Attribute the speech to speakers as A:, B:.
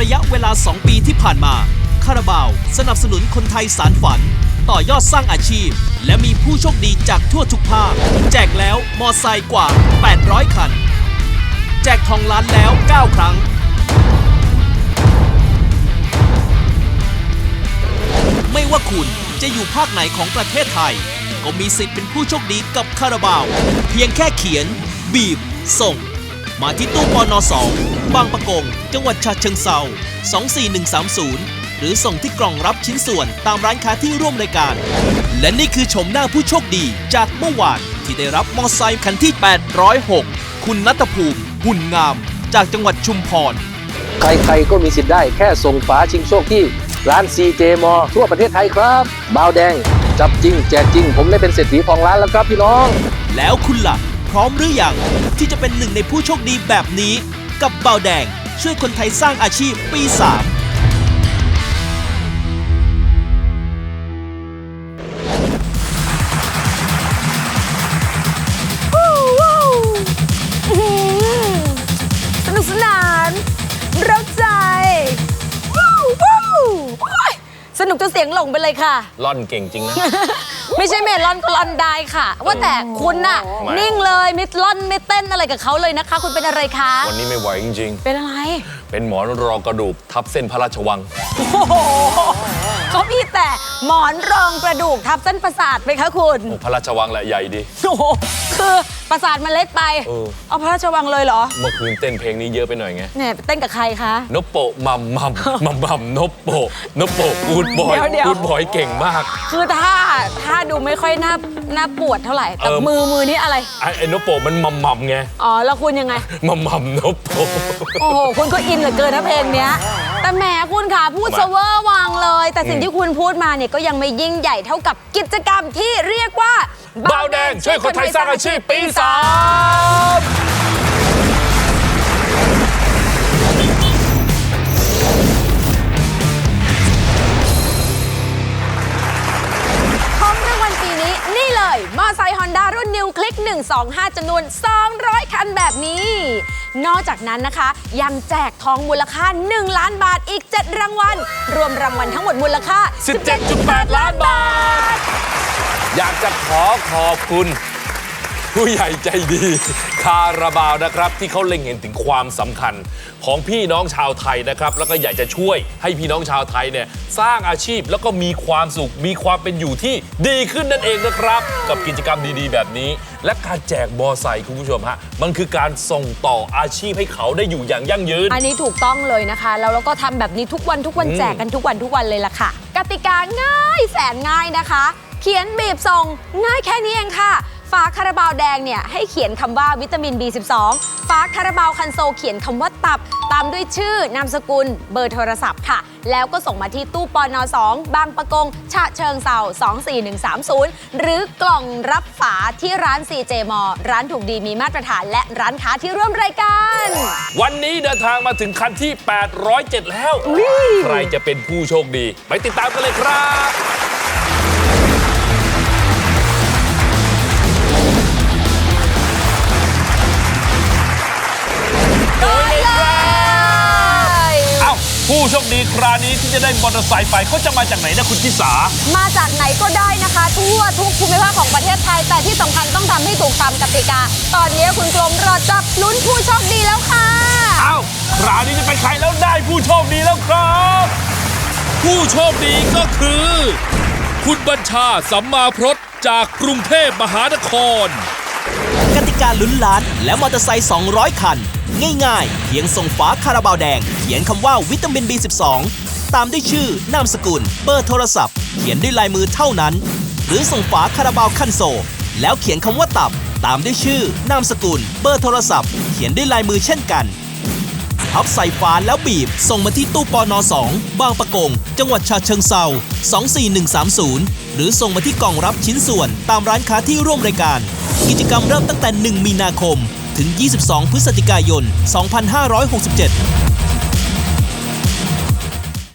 A: ระยะเวลา 2 ปีที่ผ่านมาคาราบาวสนับสนุนคนไทยสานฝันต่อยอดสร้างอาชีพและมีผู้โชคดีจากทั่วทุกภาคแจกแล้วมอไซค์กว่า 800 คันแจกทองล้านแล้ว 9 ครั้งไม่ว่าคุณจะอยู่ภาคไหนของประเทศไทยก็มีสิทธิ์เป็นผู้โชคดีกับคาราบาวเพียงแค่เขียนบีบส่งมาที่ตู้ปน2 บางปะกงจังหวัดฉะเชิงเทรา24130หรือส่งที่กล่องรับชิ้นส่วนตามร้านค้าที่ร่วมรายการและนี่คือชมหน้าผู้โชคดีจากเมื่อวานที่ได้รับมอไซค์คันที่ 806 คุณณัฐภูมิหุ่นงามจากจังหวัดชุมพร
B: ใครๆก็มีสิทธิ์ได้แค่ส่งฝาชิงโชคที่ร้าน CJ มอทั่วประเทศไทยครับบาวแดงจับจริงแจกจริงผมได้เป็นเศรษฐีของร้านแล้วครับพี่น้อง
A: แล้วคุณล่ะพร้อมหรือยังที่จะเป็นหนึ่งในผู้โชคดีแบบนี้กับบาวแดงช่วยคนไทยสร้างอาชีพปี 3
C: สนุกสนานเร้าใจสนุกจนเสียงหลงไปเลยค่ะ
D: ล่อนเก่งจริงนะ
C: ไม่ใช่เมลอนก็ล่อนได้ค่ะว่าแต่คุณน่ะนิ่งเลยไม่ล่อนไม่เต้นอะไรกับเขาเลยนะคะคุณเป็นอะไรคะ
D: วันนี้ไม่ไหวจริง
C: ๆเป็นอะไร
D: เป็นหมอนรองกระดูกทับเส้นพระราชวัง
C: โอ้โหเขามีแต่หมอนรองกระดูกทับเส้นประสาทไปคะคุณ
D: พระราชวังแหละใหญ่ดี
C: โอ้โหคือประสาทมันเล็กไปเอาพระราชวังเลยเหรอ
D: เมื่อคืนเต้นเพลงนี้เยอะไปหน่อยไง
C: เนี่ยเต้นกับใครคะ
D: นโปะมัมนโปะกูดบอยเก่งมาก
C: คือถ้าดูไม่ค่อยน่าปวดเท่าไหร่แต่มือนี่อะไร
D: ไอ้นโปะมันมัมไง
C: อ๋อแล้วคุณยังไง
D: มัมนโปะ
C: โอ้โหคุณก็อินเหลือเกินนะเพลงเนี้ยแต่แหมคุณค่ะพูดเซเวอร์วางเลยแต่สิ่งที่คุณพูดมาเนี่ยก็ยังไม่ยิ่งใหญ่เท่ากับกิจกรรมที่เรียกว่า
D: บาวแดงช่วยคนไทยสร้างอาชีพปี 3
C: นี่เลยมอไซค์ Honda รุ่น New Click 125 จำนวน 200 คันแบบนี้ นอกจากนั้นนะคะยังแจกทองมูลค่า 1 ล้านบาทอีก 7 รางวัลรวมรางวัลทั้งหมดมูลค่า
D: 17.8 ล้านบาทอยากจะขอบคุณผู้ใหญ่ใจดีคาราบาวนะครับที่เขาเล็งเห็นถึงความสำคัญของพี่น้องชาวไทยนะครับแล้วก็อยากจะช่วยให้พี่น้องชาวไทยเนี่ยสร้างอาชีพแล้วก็มีความสุขมีความเป็นอยู่ที่ดีขึ้นนั่นเองนะครับกับกิจกรรมดีๆแบบนี้และการแจกมอไซค์คุณผู้ชมฮะมันคือการส่งต่ออาชีพให้เขาได้อยู่อย่างยั่งยืน
C: อันนี้ถูกต้องเลยนะคะแล้วเราก็ทำแบบนี้ทุกวันแจกกันทุกวันเลยล่ะค่ะกติกาง่ายแสนง่ายนะคะเขียนบีบส่งง่ายแค่นี้เองค่ะฝาคาราบาวแดงเนี่ยให้เขียนคำว่าวิตามิน B12 ฝาคาราบาวคันโซเขียนคำว่าตับตามด้วยชื่อนามสกุลเบอร์โทรศัพท์ค่ะแล้วก็ส่งมาที่ตู้ปน2 บางปะกงฉะเชิงเทรา24130หรือกล่องรับฝาที่ร้าน CJ มอร้านถูกดีมีมาตรฐานและร้านค้าที่ร่วมรายการ
D: วันนี้เดินทางมาถึงคันที่ 807 แล้วใครจะเป็นผู้โชคดีไปติดตามกันเลยครับผู้โชคดีคราวนี้ที่จะได้มอเตอร์ไซค์ไปเขาจะมาจากไหนนะคุณทิสา
C: มาจากไหนก็ได้นะคะทั่วทุกภูมิภาคของประเทศไทยแต่ที่สำคัญต้องทำให้ถูกตามกติกาตอนนี้คุณกรมรอจับลุ้นผู้โชคดีแล้วค่ะ
D: คราวนี้จะเป็นใครแล้วได้ผู้โชคดีแล้วครับผู้โชคดีก็คือคุณบัญชาสัมมาพรตจากกรุงเทพมหานคร
A: กติกาลุ้นล้านและมอเตอร์ไซค์200 คันง่ายๆเพียงส่งฝาคาราบาวแดงเขียนคำว่าวิตามิน B12 ตามด้วยชื่อนามสกุลเบอร์โทรศัพท์เขียนด้วยลายมือเท่านั้นหรือส่งฝาคาราบาวคันโซแล้วเขียนคำว่าตับตามด้วยชื่อนามสกุลเบอร์โทรศัพท์เขียนด้วยลายมือเช่นกันพับใส่ฝาแล้วบีบส่งมาที่ตู้ปน2 บางปะกงจังหวัดฉะเชิงเทรา24130หรือส่งมาที่กล่องรับชิ้นส่วนตามร้านค้าที่ร่วมรายการกิจกรรมเริ่มตั้งแต่1 มีนาคมถึง 22 พฤศจิกายน 2567